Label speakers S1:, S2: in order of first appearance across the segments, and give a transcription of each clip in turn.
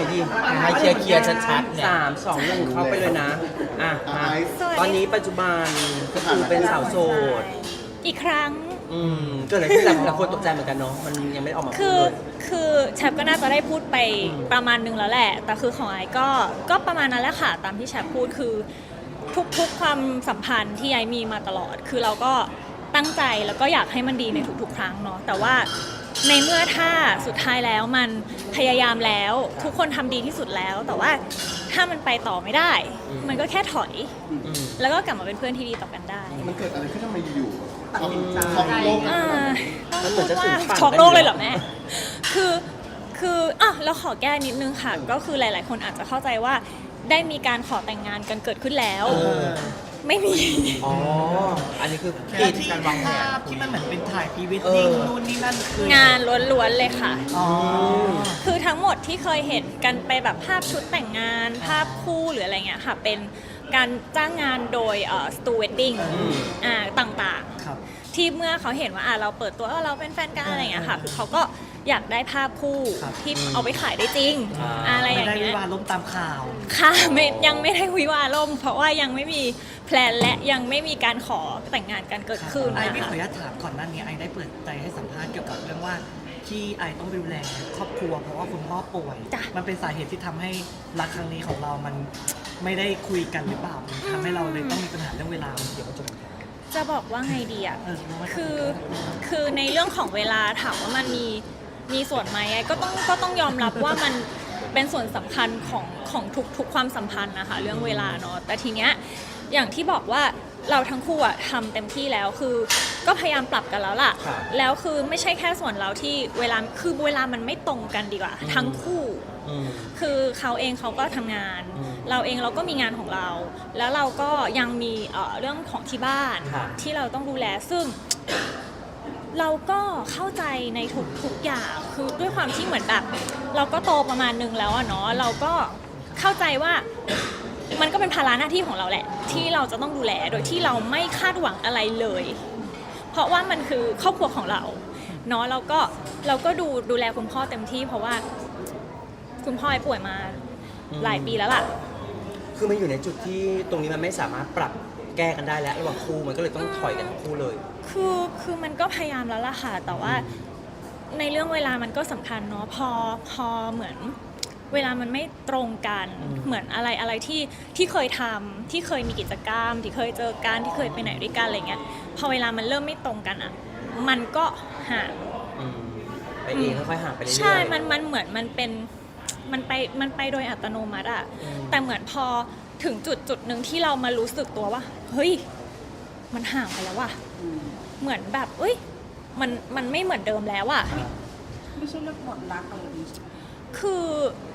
S1: ดีให้เคลียร์ชัดๆเนี่ย
S2: 3 2 1เข้าไปเลยนะอ่ะมาตอนนี้ปัจจุบันก็คือเป็นสาวโสด
S3: อีกครั้ง
S2: เกิดอะไรขึ้นหลายคนตกใจเหมือนกันเนาะมันยังไม่ออกมาพูดเลย
S3: คือแชปก็น่าจะได้พูดไปประมาณนึงแล้วแหละแต่คือของไอ้ก็ประมาณนั้นแหละค่ะตามที่แชปพูดคือทุกความสัมพันธ์ที่ไอ้มีมาตลอดคือเราก็ตั้งใจแล้วก็อยากให้มันดีในทุกๆครั้งเนาะแต่ว่าในเมื่อถ้าสุดท้ายแล้วมันพยายามแล้วทุกคนทำดีที่สุดแล้วแต่ว่าถ้ามันไปต่อไม่ได้มันก็แค่ถอยแล้วก็กลับมาเป็นเพื่อนที่ดีต่อกันได้
S4: มันเกิดอะไรขึ้นทำไมอยู่
S3: ๆต้องพูดว่าช็อกโลกเลยเหรอแม่คือเราขอแก้นิดนึงค่ะก็คือหลายๆคนอาจจะเข้าใจว่าได้มีการขอแต่งงานกันเกิดขึ้นแล้วไม่มี
S2: อันนี้คือ
S1: ที่การวางแผนที่มันเหมือนเป็นถ่ายพรีเวดดิ้งนู่นนี่นั่นคือง
S3: านล้วนๆเลยค่ะคือทั้งหมดที่เคยเห็นกันไปแบบภาพชุดแต่งงานภาพคู่หรืออะไรเงี้ยค่ะเป็นการจ้างงานโดยสตูเวดดิ้งต่างๆที่เมื่อเขาเห็นว่าเราเปิดตัวเราเป็นแฟนกันอะไรเงี้ยค่ะคือเขาก็อยากได้ภาพคู่ที่เอาไปขายได้จริงอะไรอย่างเงี้ย
S1: ไม่ได้วิวาห์ล่มตามข่าว
S3: ค่ะยังไม่ได้วิวาห์ล่มเพราะว่ายังไม่มีแพลนและยังไม่มีการขอแต่งงานกันเกิดขึ้น
S1: ไอ้ไม่ขออนุญาตถามก่อนหน้านี้ไอ้ได้เปิดใจให้สัมภาษณ์เกี่ยวกับเรื่องว่าที่ไอ้ต้องดูแลครอบครัวเพราะว่าคุณพ่อป่วยมันเป็นสาเหตุที่ทำให้รักครั้งนี้ของเรามันไม่ได้คุยกันหรือเปล่าทำให้เราเลยต้องมีปัญหาเรื่องเวลาเดี๋ยวมัน
S3: จะบอกว่าไงดีอ่ะคือในเรื่องของเวลาถามว่ามันมีส่วนไหมก็ต้องยอมรับว่ามันเป็นส่วนสำคัญของทุกความสัมพันธ์นะคะเรื่องเวลาเนาะแต่ทีเนี้ยอย่างที่บอกว่าเราทั้งคู่อะทำเต็มที่แล้วคือก็พยายามปรับกันแล้วล่ะแล้วคือไม่ใช่แค่ส่วนเราที่เวลามันไม่ตรงกันดีกว่าทั้งคู่คือเขาเองเขาก็ทำงานเราเองเราก็มีงานของเราแล้วเราก็ยังมีเรื่องของที่บ้านที่เราต้องดูแลซึ่งเราก็เข้าใจในทุกอย่างคือด้วยความที่เหมือนแบบเราก็โตประมาณนึงแล้วอะเนาะเราก็เข้าใจว่ามันก็เป็นภาระหน้าที่ของเราแหละที่เราจะต้องดูแลโดยที่เราไม่คาดหวังอะไรเลยเพราะว่ามันคือครอบครัวของเราเนาะเราก็ดูแลคุณพ่อเต็มที่เพราะว่าคุณพ่อป่วยมาหลายปีแล้วล่ะ
S2: คือมันอยู่ในจุดที่ตรงนี้มันไม่สามารถปรับแก้กันได้แล้วระหว่างคู่มันก็เลยต้องถอยกันทั้งคู่เลย
S3: คือมันก็พยายามแล้วล่ะค่ะแต่ว่าในเรื่องเวลามันก็สำคัญเนาะพอเหมือนเวลามันไม่ตรงกันเหมือนอะไรที่เคยทำที่เคยมีกิจกรรมที่เคยเจอกันที่เคยไปไหนด้วยกันอะไรเงี้ยพอเวลามันเริ่มไม่ตรงกันอ่ะมันก็ห่าง
S2: ไปเองค่อยๆห่างไปเรื่อยๆ
S3: ใช่มันเหมือนมันไปโดยอัตโนมัติอ่ะแต่เหมือนพอถึงจุดหนึ่งที่เรามารู้สึกตัวว่าเฮ้ยมันห่างไปแล้วว่ะเหมือนแบบเอ้ยมันไม่เหมือนเดิมแล้วอ่ะ
S5: ไม่ใช่เรื่องหมดรักอะไรนี้
S3: คือ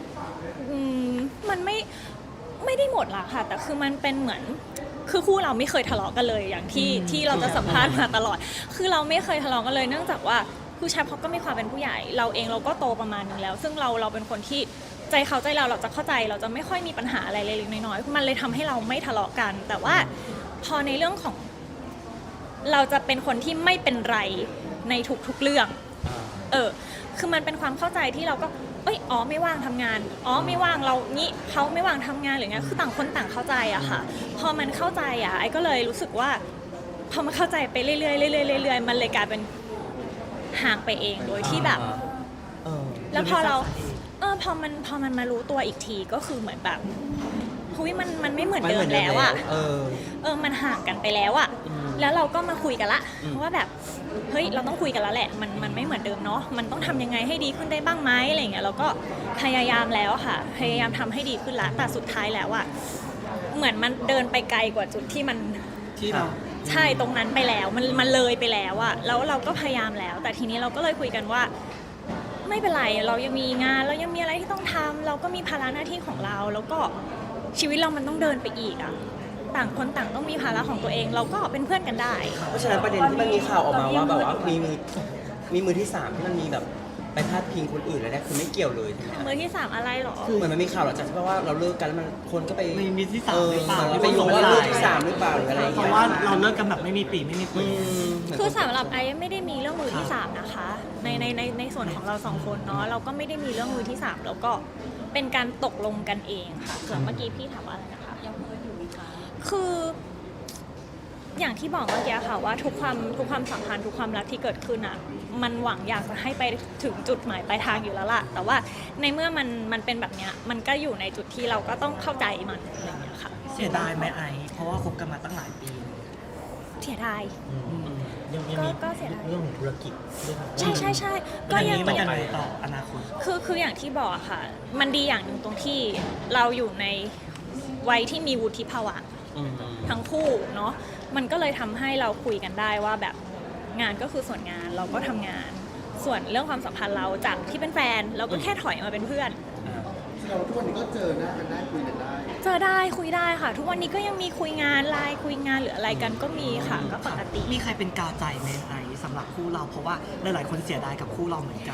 S3: มันไม่ได้หมดละค่ะแต่คือมันเป็นเหมือนคือคู่เราไม่เคยทะเลาะกันเลยอย่างที่เราจะสัมภาษณ์มาตลอดคือเราไม่เคยทะเลาะกันเลยเนื่องจากว่าคือแชมป์เขาก็มีความเป็นผู้ใหญ่เราเองเราก็โตประมาณนึงแล้วซึ่งเราเป็นคนที่ใจเขาใจเราจะเข้าใจเราจะไม่ค่อยมีปัญหาอะไรเล็กๆน้อยๆมันเลยทำให้เราไม่ทะเลาะกันแต่ว่าพอในเรื่องของเราจะเป็นคนที่ไม่เป็นไรในทุกๆเรื่องคือมันเป็นความเข้าใจที่เราก็ไม่ว่างทำงานไม่ว่างเรางี้เขาไม่ว่างทำงานหรือไงคือต่างคนต่างเข้าใจอะค่ะพอมันเข้าใจอะไอ้ก็เลยรู้สึกว่าพอมันเข้าใจไปเรื่อยๆเรื่อยๆมันเลยกลายเป็นห่างไปเองโดยที่แบบแล้วพอเราพอมันมารู้ตัวอีกทีก็คือเหมือนแบบมันไม่เหมือนเดิมแล้วอะมันห่างกันไปแล้วอะแล้วเราก็มาคุยกันละว่าแบบเฮ้ยเราต้องคุยกันแล้วแหละมันไม่เหมือนเดิมเนาะมันต้องทำยังไงให้ดีขึ้นได้บ้างไหมอะไรเงี้ยเราก็พยายามแล้วค่ะพยายามทำให้ดีขึ้นละแต่สุดท้ายแล้วอะเหมือนมันเดินไปไกลกว่าจุดที่เราใช่ตรงนั้นไปแล้วมันเลยไปแล้วอะแล้วเราก็พยายามแล้วแต่ทีนี้เราก็เลยคุยกันว่าไม่เป็นไรเรายังมีงานเรายังมีอะไรที่ต้องทำเราก็มีภาระหน้าที่ของเราแล้วก็ชีวิตเรามันต้องเดินไปอีกอะต่างคนต่างต้องมีภาระของตัวเองเราก็เป็นเพื่อนกันได้
S2: เพราะฉะนั้นประเด็นที่มันมีข่าวออกมาว่าแบบว่ามีมือที่3ที่มันมีแบบไปพาดพิงคนอื่นอะไรเนี่ยคือไม่เกี่ยวเลย
S3: มือที่3อะไรหรอ
S2: คือเหมือนมันมีข่าวหลังจากที่ว่าเราเลิกกันแล้วมันคนก็ไป
S1: มีมือที่3หรือเปล่า
S2: ไปโยงว่ามือที่3หรือเปล่าหรืออะไร
S1: เพราะว่าเราเลิกกันแบบไม่มีปีไม่มีคุย
S3: คือสำหรับไอ้ไม่ได้มีเรื่องมือที่3นะคะในส่วนของเรา2คนเนาะเราก็ไม่ได้มีเรื่องมือที่3แล้วก็เป็นการตกลงกันเองค่ะส่วนเมื่อกี้พี่ถามว่าอะไรนะคะ
S5: ยังเพื่อนอยู่ไหมคะ
S3: คืออย่างที่บอกเมื่อกี้ค่ะว่าทุกความสัมพันธ์ทุกความรักที่เกิดขึ้นอ่ะมันหวังอยากจะให้ไปถึงจุดหมายปลายทางอยู่แล้วล่ะแต่ว่าในเมื่อมันเป็นแบบเนี้ยมันก็อยู่ในจุดที่เราก็ต้องเข้าใจมันอะไรอย่างเงี้ยค่ะ
S1: เสียดายไหมไอเพราะว่าคบกันมาตั้งหลายปีเลย
S3: เสียดาย
S4: ยังมี
S3: ก็เสียดาย
S4: เรื่องของธุรกิจด้วยครับ
S3: ใช่
S1: ก็
S3: ก็
S1: อย่าง
S3: ยัง
S1: นี้มันยังไงต่ออนาคต
S3: คืออย่างที่บอกอะค่ะ มันดีอย่างหนึ่งตรงที่เราอยู่ในวัยที่มีวุฒิภาวะ ทั้งคู่เนาะมันก็เลยทำให้เราคุยกันได้ว่าแบบงานก็คือส่วนงานเราก็ทำงาน ส่วนเรื่องความสัมพันธ์เราจากที่เป็นแฟนเราก็แค่ถอยมาเป็นเพื่อน
S6: เราทุกวันนี้ก็เจอหน้ากันได้คุยกันได้
S3: เจอได้คุยได้ค่ะ ทุกวันนี้ก็ยังมีคุยงานไลน์คุยงานหรืออะไรกันก็มีค่ะก็ปกติ
S1: มีใครเป็นกาวใจไหมไอสำหรับคู่เราเพราะว่าหลายๆคนเสียดายกับคู่เราเหมือนกัน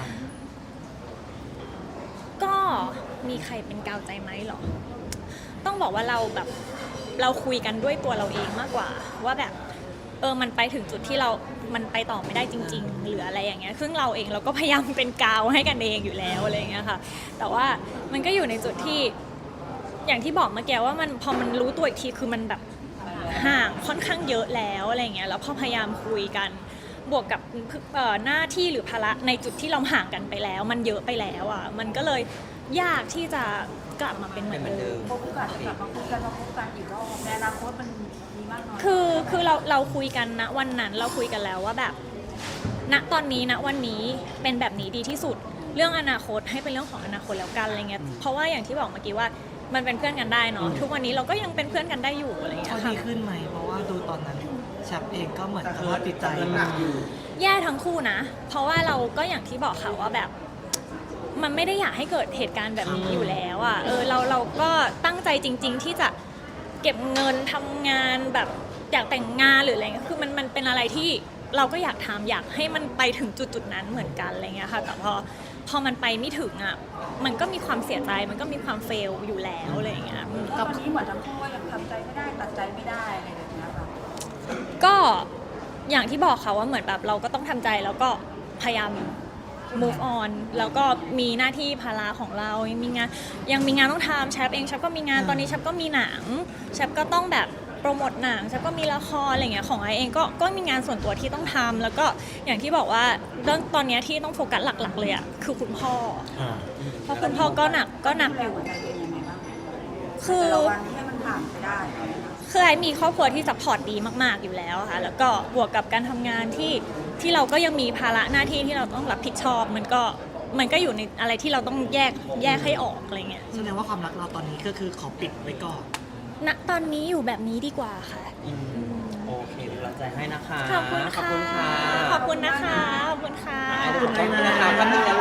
S3: ก็มีใครเป็นกาวใจไหมหรอ ต้องบอกว่าเราแบบเราคุยกันด้วยตัวเราเองมากกว่า ว่าแบบมันไปถึงจุดที่มันไปต่อไม่ได้จริง ๆ หรืออะไรอย่างเงี้ยซึ่งเราเองเราก็พยายามเป็นกาวให้กันเองอยู่แล้วอะไรอย่างเงี้ยค่ะ แต่ว่ามันก็อยู่ในจุดที่อย่างที่บอกเมื่อกี้ว่ามันพอมันรู้ตัวอีกทีคือมันแบบห่างค่อนข้างเยอะแล้วอะไรอย่างเงี้ยแล้วพอพยายามคุยกันบวกกับหน้าที่หรือภาระในจุดที่เราห่างกันไปแล้ว มันเยอะไปแล้วอ่ะมันก็เลยยากที่จะกลับมาเป็นเหมือนเดิม
S5: โอกาสจะกลับมาคุยกันมาพบกันอีกรอบในอนาคตมันมีมากน้อย
S3: คือเราคุยกันนะวันนั้นเราคุยกันแล้วว่าแบบณตอนนี้ณวันนี้เป็นแบบนี้ดีที่สุดเรื่องอนาคตให้เป็นเรื่องของอนาคตแล้วกันอะไรเงี้ยเพราะว่าอย่างที่บอกเมื่อกี้ว่ามันเป็นเพื่อนกันได้เนาะทุกวันนี้เราก็ยังเป็นเพื่อนกันได้อยู่อะไรเงี้
S1: เขา
S3: ยค่ะ
S1: ดีขึ้นไหมเพราะว่าดูตอนนั้นชับเองก็เหมือนสภาพจิตใจ
S6: หนักอยู่
S3: แย่ทั้งคู่นะ เพราะว่าเราก็อย่างที่บอกค่ะว่าแบบ มันไม่ได้อยากให้เกิดเหตุการณ์แบบนี้อยู่แล้วอ่ะเราก็ตั้งใจจริง ๆ ที่จะเก็บเงินทำงานแบบอยากแต่งงานหรืออะไรเงี้ยคือมันเป็นอะไรที่เราก็อยากทำอยากให้มันไปถึงจุดนั้นเหมือนกันอะไรเงี้ยค่ะแต่พอมันไปไม่ถึงอ่ะมันก็มีความเสียใจมันก็มีความเฟลอยู่แล้วอะไรเงี้ย
S5: ก็วันนี้เหมือนทั้งคู่ว่ายังทำใจไม่ได้ตัดใจไม่ได้อะไรแบบนี้ค่ะ
S3: ก็อย่างที่บอกค่ะว่าเหมือนแบบเราก็ต้องทำใจแล้วก็พยายาม move on แล้วก็มีหน้าที่ภาระของเรายังมีงานต้องทำแชปเองแชปก็มีงานตอนนี้แชปก็มีหนังแชปก็ต้องแบบโปรโมทหนังแชปก็มีละครอะไรเงี้ยของไอเองก็มีงานส่วนตัวที่ต้องทำแล้วก็อย่างที่บอกว่าเรื่องตอนนี้ที่ต้องโฟกัสหลักๆเลยอ่ะคือคุณพ่อเพราะคุณพ่อก็หนักอยู่
S5: หัวใจตัวเองยังไงบ้าง
S3: คือ
S5: แต่ละวันให้มันผ่านไปได้
S3: คือไอมีครอบครัวที่ซัพพอร์ตดีมากๆอยู่แล้วค่ะแล้วก็บวกกับการทำงานที่เราก็ยังมีภาระหน้าที่ที่เราต้องรับผิดชอบมันก็อยู่ในอะไรที่เราต้องแยกให้ออกอะไรเงี้ย
S1: แสดงว่าความรักเราตอนนี้ก็คือขอปิดไว้ก่อน
S3: ณตอนนี้อยู่แบบนี้ดีกว่าค่ะ
S2: โอเคเป็นกำลังใจให้นะคะ
S3: ขอบคุณค่ะ
S2: ขอบคุณค่ะ
S3: ขอบคุณนะคะขอบคุณค่ะ
S2: ขอบคุณนะคะแป๊บนึงนะ